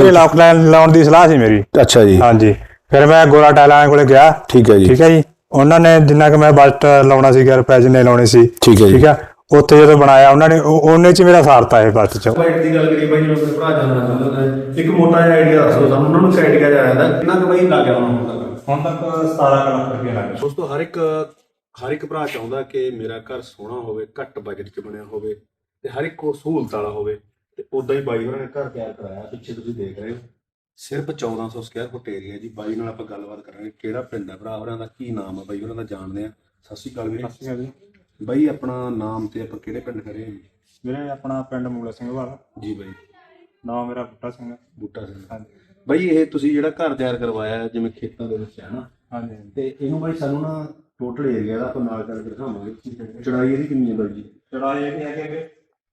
ਇੱਧਰ ਲੌਕ ਲਾਉਣ ਦੀ ਸਲਾਹ ਸੀ ਮੇਰੀ। ਅੱਛਾ ਜੀ। ਹਾਂਜੀ, ਫਿਰ ਮੈਂ ਗੋਰਾ ਟਾਇਲਾਂ ਕੋਲੇ ਗਿਆ। ਠੀਕ ਹੈ ਜੀ। ਠੀਕ ਹੈ ਜੀ, ਉਹਨਾਂ ਨੇ ਜਿੰਨਾ ਕਿ ਮੈਂ ਬਜਟ ਲਾਉਣਾ ਸੀ, ਰੁਪਏ ਜਿੰਨੇ ਲਾਉਣੇ ਸੀ, ਠੀਕ ਹੈ ਜੀ। ਠੀਕ ਹੈ, ਉੱਥੇ ਜਦੋਂ ਬਣਾਇਆ ਉਹਨਾਂ ਨੇ ਉਹਨੇ ਚ ਮੇਰਾ ਸਾਰਤਾ ਇਹ ਬਜਟ ਚ। ਬਾਈਟ ਦੀ ਗੱਲ ਕਰੀ ਬਾਈ, ਜਿਵੇਂ ਆਪਣੇ ਭਰਾ ਜਾਣਨਾ ਚਾਹੁੰਦੇ ਨੇ, ਇੱਕ ਮੋਟਾ ਜਿਹਾ ਆਈਡੀਆ ਦੱਸੋ ਸਾਨੂੰ, ਉਹਨਾਂ ਨੂੰ ਆਈਡੀਆ ਜਿਹਾ ਆਇਆ ਤਾਂ ਕਿੰਨਾ ਕੁ ਬਾਈ ਲੱਗ ਗਿਆ ਹੁਣ ਤੱਕ 17 ਲੱਖ ਰੁਪਏ ਲੱਗ ਗਿਆ। ਦੋਸਤੋ ਹਰ ਇੱਕ ਭਰਾ ਚਾਹੁੰਦਾ ਕਿ ਮੇਰਾ ਘਰ ਸੋਹਣਾ ਹੋਵੇ, ਘੱਟ ਬਜਟ 'ਚ ਬਣਿਆ ਹੋਵੇ ਤੇ ਹਰ ਇੱਕ ਕੋਲ ਸਹੂਲਤ ਵਾਲਾ ਹੋਵੇ। ਤੇ ਉਦਾਂ ਹੀ ਬਾਈ ਹੋਰਾਂ ਨੇ ਘਰ ਤਿਆਰ ਕਰਾਇਆ, ਪਿੱਛੇ ਤੁਸੀਂ ਦੇਖ ਰਹੇ ਹੋ, ਸਿਰਫ 1400 ਸਕੁਅਰ ਫੁੱਟ ਏਰੀਆ ਜੀ। ਬਾਈ ਨਾਲ ਆਪਾਂ ਗੱਲਬਾਤ ਕਰਾਂਗੇ, ਕਿਹੜਾ ਪਿੰਡ ਹੈ, ਭਰਾ ਹੋਰਾਂ ਦਾ ਕੀ ਨਾਮ ਹੈ, ਬਾਈ ਹੋਰਾਂ ਦਾ ਜਾਣਦੇ ਆ। ਸਤਿ ਸ਼੍ਰੀ ਅਕਾਲ ਵੀਰੇ। ਸਤਿ ਸ਼੍ਰੀ ਅਕਾਲ ਜੀ। ਬਾਈ ਆਪਣਾ ਨਾਮ ਤੇ ਆਪਾਂ ਕਿਹੜੇ ਪਿੰਡ ਖੜੇ ਹਾਂ ਜੀ? ਵੀਰੇ ਆਪਣਾ ਪਿੰਡ ਮੂਲਾ ਸਿੰਘ ਵਾਲਾ ਜੀ ਬਾਈ। ਨਾਮ ਮੇਰਾ ਬੂਟਾ ਸਿੰਘ ਹੈ। ਬੂਟਾ ਸਿੰਘ। ਹਾਂਜੀ ਬਾਈ ਇਹ ਤੁਸੀਂ ਜਿਹੜਾ ਘਰ ਤਿਆਰ ਕਰਵਾਇਆ ਹੈ, ਜਿਵੇਂ ਖੇਤਾਂ ਦੇ ਵਿੱਚ ਹੈ ਨਾ, ਹਾਂਜੀ। ਤੇ ਇਹਨੂੰ ਬਾਈ ਸਾਨੂੰ ਨਾ ਟੋਟਲ ਏਰੀਆ ਦਾ ਆਪਾਂ ਨਾਲ ਚੱਲ ਕੇ ਦਿਖਾਵਾਂਗੇ। ਚੌੜਾਈ ਇਹਦੀ ਕਿੰਨੀ ਹੈ ਬਾਈ ਜੀ? ਚੌੜਾਈ ਇਹ ਹੈਗੇ ਕਿ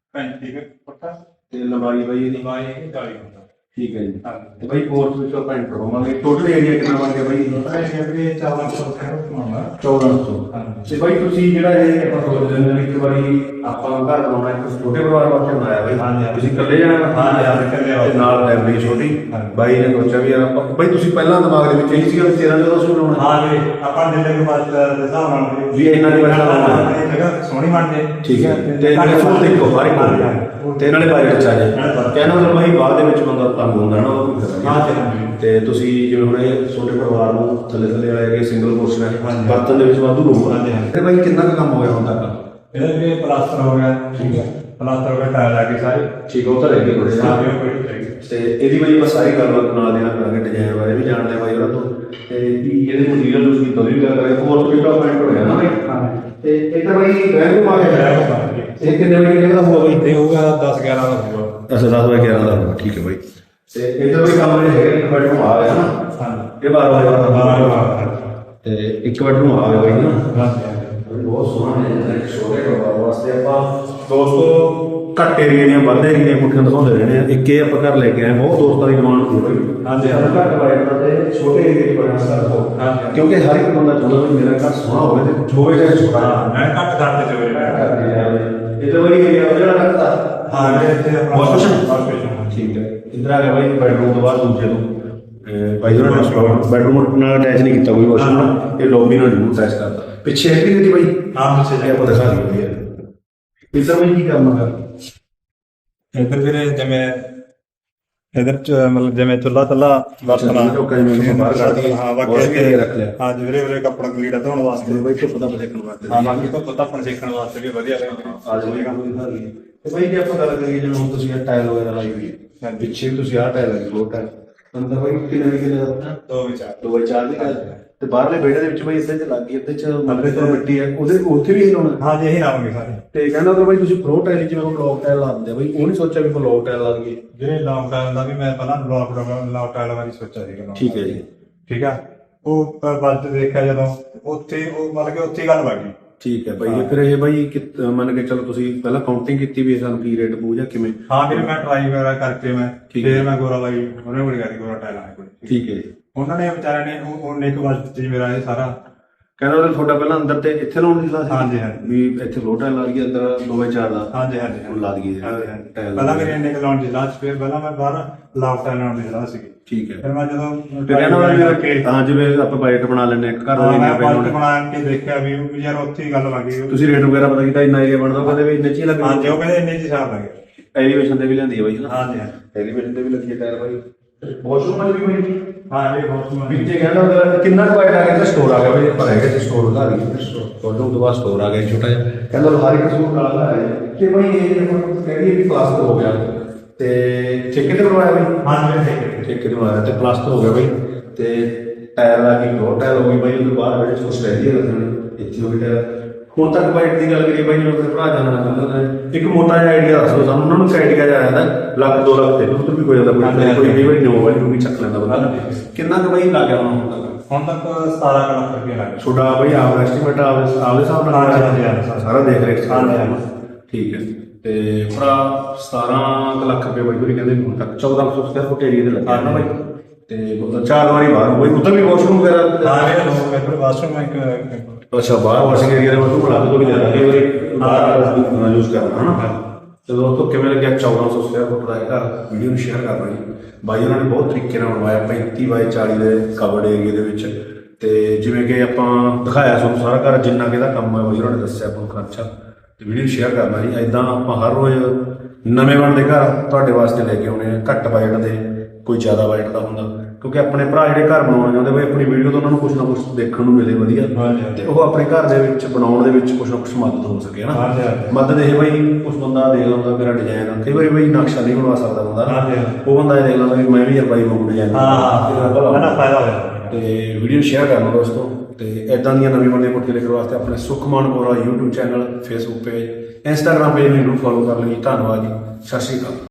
35 ਫੁੱਟ ਤੇ ਲੰਬਾਈ ਬਾਈ ਇਹਦੀ? ਲੰਬਾਈ ਇਹ 40 ਫੁੱਟ। ਠੀਕ ਹੈ ਜੀ। ਹਾਂਜੀ। ਤੇ ਬਾਈ ਕੋਰਸ ਵਿੱਚ ਆਪਾਂ ਐਂਟਰ ਹੋਵਾਂਗੇ। ਟੋਟਲ ਏਰੀਆ ਕਿੰਨਾ ਬਣ ਗਿਆ ਬਾਈ? ਇਹ ਵੀ 1400 ਬਣਾਉਣਾ। 1400। ਹਾਂਜੀ। ਤੇ ਬਾਈ ਤੁਸੀਂ ਜਿਹੜਾ ਇਹ ਆਪਾਂ ਸੋਚਦੇ ਨੇ ਇੱਕ ਵਾਰੀ ਆਪਾਂ ਘਰ ਬਣਾਉਣਾ, ਇੱਕ ਛੋਟੇ ਪਰਿਵਾਰ ਵਾਸਤੇ ਬਣਾਇਆ ਬਾਈ। ਹਾਂਜੀ। ਤੁਸੀਂ ਇਕੱਲੇ ਜਾਣਾ? ਹਾਂਜੀ, ਇਕੱਲੇ ਤੇ ਨਾਲ ਫੈਮਿਲੀ ਛੋਟੀ। ਬਾਈ ਨੇ ਸੋਚਿਆ ਵੀ ਯਾਰ ਆਪਾਂ, ਬਾਈ ਤੁਸੀਂ ਪਹਿਲਾਂ ਦਿਮਾਗ ਦੇ ਵਿੱਚ ਇਹੀ ਸੀਗਾ ਵੀ 13-1400 ਬਣਾਉਣਾ? ਹਾਂ ਜੀ, ਆਪਾਂ ਦਿਲ ਦੇ ਬਾਅਦ ਦੇ ਹਿਸਾਬ ਨਾਲ ਵੀ ਇਹਨਾਂ ਦੀ ਪੈਸਾ ਲਾਉਣਾ ਇਹ ਜਗ੍ਹਾ ਸੋਹਣੀ ਬਣ ਜੇ। ਠੀਕ ਹੈ। ਤੇ ਨਾਲੇ ਫੋਨ ਦੇਖੋ ਹਰ ਇੱਕ ਤੇ ਨਾਲੇ ਬਾਈ ਵਿੱਚ ਆ ਜਾਏ। ਕਹਿਣਾ ਮਤਲਬ ਬਾਈ ਬਾਅਦ ਦੇ ਵਿੱਚ ਬੰਦਾ ਤੰਗ ਹੁੰਦਾ ਨਾ, ਉਹ ਕੋਈ ਫਾਇਦਾ ਨਹੀਂ। ਤੇ ਤੁਸੀਂ ਜਿਵੇਂ ਹੁਣ ਇਹ ਛੋਟੇ ਪਰਿਵਾਰ ਨੂੰ ਥੱਲੇ ਵਾਲੇ ਹੈਗੇ, ਸਿੰਗਲ ਪੋਰਸ਼ਨ ਹੈ, ਬਰਤਨ ਦੇ ਵਿੱਚ ਵਾਧੂ ਰੂਮ ਹੈ। ਤੇ ਬਾਈ ਕਿੰਨਾ ਕੁ ਕੰਮ ਹੋ ਗਿਆ ਹੁਣ ਤੱਕ? ਇਹਦਾ ਵੀ ਪਲਾਸਟਰ ਹੋ ਗਿਆ। ਠੀਕ ਹੈ, ਪਲਾਸਟਰ ਹੋ ਗਿਆ, ਟਾਇਲ ਆ ਗਈ ਸਾਰੀ। ਠੀਕ ਹੈ, ਉਹ ਤਾਂ ਰਹਿ ਗਈ ਥੋੜੇ ਸਾਰੀ ਤੇ ਇਹਦੀ ਬਾਈ ਆਪਾਂ ਸਾਰੀ ਗੱਲਬਾਤ ਨਾਲ ਦੇਣਾ ਕਰਾਂਗੇ, ਡਿਜ਼ਾਈਨ ਬਾਰੇ ਵੀ ਜਾਣਦੇ ਬਾਈ ਉਹਨਾਂ ਤੋਂ, ਤੇ ਕੀ ਇਹਦੇ ਮਟੀਰੀਅਲ ਤੁਸੀਂ ਕੀਤਾ ਵੀ ਗੱਲ ਕਰਾਂਗੇ। ਹੋਰ ਕੋਈ ਡਿਵੈਲਪਮੈਂਟ ਹੋਇਆ ਨਾ ਬਾਈ? ਤੇ ਇਹ ਤਾਂ ਬਾਈ ਬੈਂਕ ਨੂੰ ਆ ਗਿਆ। ਇਹ ਕਿੰਨੇ ਵਜੇ ਦਾ ਹੋਊਗਾ ਬਾਈ? ਇਹ ਹੋਊਗਾ 10-11 ਦਾ ਹੋਊਗਾ। ਅੱਛਾ, 10 ਬਾਈ 11 ਦਾ ਹੋਊਗਾ। ਠੀਕ ਹੈ ਬਾਈ। ਤੇ ਇੱਧਰ ਵੀ ਕੰਮ ਜਿਹੜੇ ਹੈਗੇ, ਇੱਕ ਬੈਡਰੂਮ ਆ ਗਿਆ ਨਾ? ਹਾਂਜੀ। ਇਹ 12 12 ਤੇ ਇੱਕ ਬੈਡਰੂਮ ਆ ਗਿਆ ਬਾਈ ਨਾ? ਹਾਂਜੀ। ਬਹੁਤ ਸੋਹਣਾ ਹੈ। ਛੋਟੇ ਪਰਿਵਾਰ ਵਾਸਤੇ ਆਪਾਂ ਦੋਸਤੋ ਘੱਟ ਏਰੀਏ ਦੀਆਂ ਵੱਧ ਏਰੀਏ ਦੀਆਂ ਕੋਠੀਆਂ ਦਿਖਾਉਂਦੇ ਰਹਿੰਦੇ ਆ। ਇੱਕ ਇਹ ਆਪਾਂ ਘਰ ਲੈ ਕੇ ਆਏ, ਬਹੁਤ ਦੋਸਤਾਂ ਦੀ ਡਿਮਾਂਡ ਹੁੰਦੀ ਹੈ। ਹਾਂਜੀ। ਘੱਟ ਬਜਟ ਤੇ ਛੋਟੇ ਏਰੀਏ 'ਚ ਬਣਿਆ ਘਰ ਹੋ, ਕਿਉਂਕਿ ਹਰ ਇੱਕ ਬੰਦਾ ਚਾਹੁੰਦਾ ਵੀ ਮੇਰਾ ਘਰ ਸੋਹਣਾ ਹੋਵੇ ਤੇ ਹੋਵੇ ਚਾਹੇ ਛੋਟਾ। ਮੈਂ ਘੱਟ ਕਰਦੇ ਚ ਹੋਵੇ। ਇਹ ਤਾਂ ਬੜੀ ਏਰੀਆ ਜਿਹੜਾ ਰੱਖਦਾ। ਹਾਂ, ਇੱਥੇ ਆਪਣਾ ਵਾਸ਼ਰੂਮ। ਠੀਕ ਹੈ। ਇੱਧਰ ਆ ਗਿਆ ਬਾਈ ਬੈਡਰੂਮ ਤੋਂ ਬਾਅਦ ਦੂਜੇ ਤੋਂ ਬਾਈ ਉਹਨਾਂ ਨੇ ਬੈਡਰੂਮ ਨਾਲ ਅਟੈਚ ਨਹੀਂ ਕੀਤਾ ਕੋਈ ਵਾਸ਼ਰੂਮ, ਇਹ ਲੌਬੀ ਨਾਲ ਜ਼ਰੂਰ ਅਟੈਚ ਕਰਤਾ। ਪਿੱਛੇ ਹੈ ਕਿ ਨਹੀਂ ਬਾਈ? ਹਾਂ, ਪਿੱਛੇ ਆਪਾਂ ਦਿਖਾ ਦਈਏ। ਇੱਧਰ ਬਾਈ ਕੀ ਕਰਨਾ ਕਰ? ਇੱਧਰ ਵੀਰੇ ਜਿਵੇਂ ਇਧਰ ਮਤਲਬ ਜਿਵੇਂ ਚੁੱਲਾ ਤੱਲਾ ਵਰਤਣਾ ਬਾਹਰ ਕੱਢ ਦਈਏ। ਹਾਂ, ਬਾਕੀ ਇੱਥੇ ਰੱਖ ਲਿਆ। ਹਾਂ ਜੀ ਵੀਰੇ, ਕੱਪੜਾ ਲੀੜਾ ਧੋਣ ਵਾਸਤੇ ਬਾਈ ਧੁੱਪ ਦਾ ਸੇਕਣ ਵਾਸਤੇ। ਹਾਂ, ਬਾਕੀ ਧੁੱਪ ਧੱਪਣ ਸੇਕਣ ਵਾਸਤੇ ਵੀ ਵਧੀਆ ਰਹੇਗਾ। ਆ ਜਾਏਗਾ। ਤੇ ਬਾਈ ਜੇ ਆਪਾਂ ਗੱਲ ਕਰੀਏ ਜਿਵੇਂ ਹੁਣ ਤੁਸੀਂ ਇਹ ਟਾਇਲ ਵਗੈਰਾ ਲਾਈ ਹੋਈ ਹੈ, ਪਿੱਛੇ ਵੀ ਤੁਸੀਂ ਆਹ ਟਾਇਲ ਲਾਈ, ਫਲੋਰ ਟਾਇਲ ਅੰਦਰ ਬਾਈ ਕਿੰਨੇ ਦਾ? 2x4 ਦੀ ਟਾਇਲ। ਤੇ ਬਾਹਰਲੇ ਵਿਹੜੇ ਦੇ ਵਿੱਚ ਬਾਈ ਇੱਥੇ ਚ ਲੱਗ ਗਈ, ਇੱਥੇ ਚ ਮੱਲੇ ਤੋਂ ਮਿੱਟੀ ਹੈ, ਉਹਦੇ ਉੱਥੇ ਵੀ ਇਹ ਲਾਉਣਾ? ਹਾਂ ਜੀ, ਇਹੀ ਲਾਵਾਂਗੇ ਸਾਰੇ। ਤੇ ਕਹਿੰਦਾ ਤਾਂ ਬਾਈ ਤੁਸੀਂ ਫਲੋਰ ਟਾਇਲ ਜਿਵੇਂ ਹੁਣ ਲੌਕ ਟਾਇਲ ਲਾ ਦਿੰਦੇ ਆ, ਬਾਈ ਉਹ ਨਹੀਂ ਸੋਚਿਆ ਵੀ ਆਪਾਂ ਲੌਕ ਟਾਇਲ ਲਾ ਦਈਏ? ਜਿਹੜੇ ਲੌਕ ਟਾਇਲ ਦਾ ਵੀ ਮੈਂ ਪਹਿਲਾਂ ਲੌਕ ਟਾਇਲ ਵਾਲੀ ਸੋਚਿਆ ਸੀਗਾ। ਠੀਕ ਹੈ ਜੀ। ਠੀਕ ਆ, ਉਹ ਬਜਟ ਦੇਖਿਆ ਜਦੋਂ ਉੱਥੇ, ਉਹ ਮਤਲਬ ਕਿ ਉੱਥੇ ਗੱਲ ਲੱਗ ਗਈ। ਠੀਕ ਹੈ ਬਾਈ। ਫਿਰ ਇਹ ਬਾਈ ਮੰਨ ਕੇ ਚਲੋ ਤੁਸੀਂ ਪਹਿਲਾਂ ਕਾਊਂਟਿੰਗ ਕੀਤੀ ਵੀ ਸਾਨੂੰ ਕੀ ਰੇਟ ਪਊ ਜਾਂ ਕਿਵੇਂ? ਹਾਂ ਵੀਰੇ, ਮੈਂ ਟਰਾਈ ਵਗੈਰਾ ਕਰਕੇ ਮੈਂ ਫਿਰ ਮੈਂ ਗੋਰਾ ਲਾਈ, ਉਹਨੇ ਬੜੀ ਕਰੀ ਗੋਰਾ ਟਾਇਲ ਆਇਆ ਕੋਈ। ਠੀਕ ਹੈ ਜੀ। ਉਹਨਾਂ ਨੇ ਵਿਚਾਰਿਆਂ ਨੇ ਉਹਨੇ ਇੱਕ ਬਜਟ ਚ ਮੇਰਾ ਇਹ ਸਾਰਾ ਕਹਿੰਦਾ ਤੁਹਾਡਾ ਪਹਿਲਾਂ ਅੰਦਰ ਤੇ ਇੱਥੇ ਲਾਉਣ ਦੀ ਸਲਾਹ ਸੀ? ਹਾਂਜੀ ਹਾਂਜੀ। ਵੀ ਇੱਥੇ ਫਲੋਰ ਟਾਇਲ ਲਾ ਦਈਏ ਅੰਦਰ 2x4 ਦਾ? ਹਾਂਜੀ ਹਾਂਜੀ ਹੁਣ ਲਾ ਦਈਏ ਟਾਇਲ। ਪਹਿਲਾਂ ਮੇਰੇ ਇੰਨੇ ਲਾਉਣ ਦੀ ਸਲਾਹ ਸੀ, ਫਿਰ ਪਹਿਲਾਂ ਮੈਂ ਬਾਹਰ ਲੌਕ ਟਾਇਲ ਲਾਉਣ ਦੀ ਸਲਾਹ ਸੀਗੀ। ਠੀਕ ਹੈ। ਫਿਰ ਮੈਂ ਜਦੋਂ ਹਾਂ ਜਿਵੇਂ ਆਪਾਂ ਬਜਟ ਬਣਾ ਲੈਂਦੇ ਇੱਕ ਘਰ ਬਣਾ ਕੇ ਦੇਖਿਆ ਵੀ ਯਾਰ ਉੱਥੇ ਹੀ ਗੱਲ ਲੱਗ ਗਈ। ਤੁਸੀਂ ਰੇਟ ਵਗੈਰਾ ਪਤਾ ਕੀਤਾ ਇੰਨਾ ਏਰੀਆ ਬਣਦਾ, ਕਹਿੰਦੇ ਵੀ ਇੰਨੇ ਚ ਹੀ ਲੱਗ ਹਾਂਜੀ, ਉਹ ਕਹਿੰਦੇ ਇੰਨੇ ਚ ਹਿਸਾਬ ਲੱਗ ਗਿਆ। ਐਲੀਵੇਸ਼ਨ ਤੇ ਵੀ ਲੈਂਦੀ ਹੈ ਬਾਈ? ਹਾਂਜੀ ਹਾਂਜੀ। ਐਲੀਵੇਸ਼ਨ ਤੇ ਵੀ ਲੱਗੀ ਹੈ ਟਾਇਰ ਬਾਈ। ਵਾਸ਼ਰੂਮ ਵੀ ਬਾਈ? ਹਾਂ ਇਹ ਵਾਸ਼ਰੂਮ ਵਿੱਚੇ ਕਹਿੰਦਾ ਕਿੰਨਾ ਕੁ ਬਜਟ ਆ ਗਿਆ? ਸਟੋਰ ਆ ਗਿਆ ਬਾਈ, ਪਰ ਹੈਗਾ ਸਟੋਰ ਦਾ ਵਾਸ਼ਰੂਮ ਤੋਂ ਬਾਅਦ ਸਟੋਰ ਆ ਗਿਆ ਛੋਟਾ ਜਿਹਾ। ਕਹਿੰਦਾ ਹਰ ਇੱਕ ਸਟੋਰ ਵਾਲਾ ਹੈ ਕਿ ਬਾਈ ਇਹ ਕਹਿੰਦੀ ਵੀ ਪਲਾਸਟਰ ਹੋ ਗਿਆ ਤੇ ਠੇਕੇ ਤੇ ਬਣਵਾਇਆ ਬਾਈ? ਹਾਂਜੀ, ਠੇਕੇ ਤੇ ਬਣਵਾਇਆ ਤੇ ਪਲਾਸਟਰ ਹੋ ਗਿਆ ਬਾਈ। ਤੇ ਟਾਇਰ ਲਾ ਕੇ ਦੋ ਟਾਇਰ ਹੋ ਗਈ ਬਾਈ, ਉਹਦੇ ਬਾਅਦ ਵਿੱਚ ਕੁਛ ਰਹਿ ਗਿਆ ਲੱਗਣ ਇੱਥੇ ਹੋ ਗਿਆ ਟਾਇਰ। ਹੁਣ ਤੱਕ ਬਾਈਟ ਦੀ ਗੱਲ ਕਰੀਏ ਬਾਈ, ਜਿਵੇਂ ਆਪਣੇ ਭਰਾ ਜਾਣਨਾ ਚਾਹੁੰਦੇ ਨੇ, ਇੱਕ ਮੋਟਾ ਜਿਹਾ ਆਈਡੀਆ ਦੱਸੋ ਸਾਨੂੰ, ਉਹਨਾਂ ਨੂੰ ਆਈਡੀਆ ਜਿਹਾ ਆਇਆ ਤਾਂ ਲੱਖ 2 ਲੱਖ ਤੇ ਉੱਧਰ ਵੀ ਕੋਈ ਜਾਂਦਾ, ਕੋਈ ਕਈ ਵਾਰੀ ਨੋ ਵਾਲੀ ਨੂੰ ਵੀ ਚੱਕ ਲੈਂਦਾ ਬੰਦਾ। ਕਿੰਨਾ ਕੁ ਬਾਈ ਲੱਗ ਗਿਆ ਹੁਣ ਤੱਕ? ਹੁਣ ਤੱਕ 17 ਲੱਖ ਰੁਪਏ ਲੱਗ ਗਿਆ। ਤੁਹਾਡਾ ਬਾਈ ਆਪਦਾ ਐਸਟੀਮੇਟ ਆਪਦੇ ਹਿਸਾਬ ਨਾਲ? ਹਾਂਜੀ, ਸਾਰਾ ਦੇਖ ਰਹੇ ਠੀਕ ਹੈ। ਤੇ ਭਰਾ 17 ਲੱਖ ਰੁਪਏ ਬਾਈ ਹੋਰੀ ਕਹਿੰਦੇ ਹੁਣ ਤੱਕ 1400 ਸਕੁਅਰ ਫੁੱਟ ਏਰੀਆ ਤੇ ਲੱਗਾ ਨਾ ਬਾਈ। ਤੇ 4 ਵਾਰੀ ਬਾਹਰ ਬਾਈ, ਉੱਧਰ ਵੀ ਵਾਸ਼ਰੂਮ ਵਗੈਰਾ? ਹਾਂ ਮੇਰੇ ਵਾਸ਼ਰੂਮ ਹੈ ਇੱਕ। ਅੱਛਾ, ਬਾਹਰ ਵਾਸ਼ਿੰਗ ਏਰੀਆ ਦੇ ਵਾਸ਼ਰੂਮ ਬਣਾ ਦੋ ਵੀ ਜ਼ਿਆਦਾ ਕਈ ਵਾਰੀ ਬਾਹਰ ਯੂਜ਼ ਕਰਨਾ ਹੈ ਨਾ। ਤੇ ਦੋਸਤੋ ਕਿਵੇਂ ਲੱਗਿਆ 1400 ਸਕੁਅਰ ਫੁੱਟ ਦਾ ਇਹ ਘਰ, ਵੀਡੀਓ ਨੂੰ ਸ਼ੇਅਰ ਕਰਨਾ ਜੀ। ਬਾਈ ਉਹਨਾਂ ਨੇ ਬਹੁਤ ਤਰੀਕੇ ਨਾਲ ਬਣਵਾਇਆ 35 ਬਾਈ 40 ਦੇ ਕਵਰਡ ਏਰੀਏ ਦੇ ਵਿੱਚ। ਤੇ ਜਿਵੇਂ ਕਿ ਆਪਾਂ ਦਿਖਾਇਆ ਤੁਹਾਨੂੰ ਸਾਰਾ ਘਰ, ਜਿੰਨਾ ਕਿ ਇਹਦਾ ਕੰਮ ਹੈ ਬਾਈ ਉਹਨਾਂ ਨੇ ਦੱਸਿਆ ਆਪਾਂ ਨੂੰ ਖਰਚਾ, ਤੇ ਵੀਡੀਓ ਸ਼ੇਅਰ ਕਰਨਾ ਜੀ। ਐਦਾਂ ਆਪਾਂ ਹਰ ਰੋਜ਼ ਨਵੇਂ ਬਣਦੇ ਘਰ ਤੁਹਾਡੇ ਵਾਸਤੇ ਲੈ ਕੇ ਆਉਣੇ ਆ, ਘੱਟ ਬਜਟ ਦੇ, ਕੋਈ ਜ਼ਿਆਦਾ ਬਜਟ ਦਾ ਹੁੰਦਾ, ਕਿਉਂਕਿ ਆਪਣੇ ਭਰਾ ਜਿਹੜੇ ਘਰ ਬਣਾਉਣਾ ਚਾਹੁੰਦੇ ਬਈ ਆਪਣੀ ਵੀਡੀਓ ਤੋਂ ਉਹਨਾਂ ਨੂੰ ਕੁਛ ਨਾ ਕੁਛ ਦੇਖਣ ਨੂੰ ਮਿਲੇ ਵਧੀਆ, ਤੇ ਉਹ ਆਪਣੇ ਘਰ ਦੇ ਵਿੱਚ ਬਣਾਉਣ ਦੇ ਵਿੱਚ ਕੁਛ ਨਾ ਕੁਛ ਮਦਦ ਹੋ ਸਕੇ ਨਾ। ਮਦਦ ਇਹ ਬਈ ਕੁਛ ਬੰਦਾ ਦੇਖ ਲੈਂਦਾ ਮੇਰਾ ਡਿਜ਼ਾਈਨ, ਕਈ ਵਾਰੀ ਬਈ ਨਕਸ਼ਾ ਨਹੀਂ ਬਣਵਾ ਸਕਦਾ ਬੰਦਾ ਨਾ, ਉਹ ਬੰਦਾ ਇਹ ਦੇਖ ਲੈਂਦਾ ਵੀ ਮੈਂ ਵੀ ਯਾਰ ਬਾਈ ਵਾਂਗੂ ਡਿਜ਼ਾਈਨ ਫਾਇਦਾ ਹੋਇਆ। ਤੇ ਵੀਡੀਓ ਸ਼ੇਅਰ ਕਰਨਾ ਦੋਸਤੋ। ਤੇ ਇਦਾਂ ਦੀਆਂ ਨਵੀਂ ਬਣਦੀਆਂ ਕੋਠੀਆਂ ਦੇਖਣ ਵਾਸਤੇ ਆਪਣੇ Sukhman Bora YouTube channel, Facebook page, Instagram page ਨੂੰ ਫੋਲੋ ਕਰ ਲਈ। ਧੰਨਵਾਦ ਜੀ, ਸਤਿ ਸ਼੍ਰੀ ਅਕਾਲ।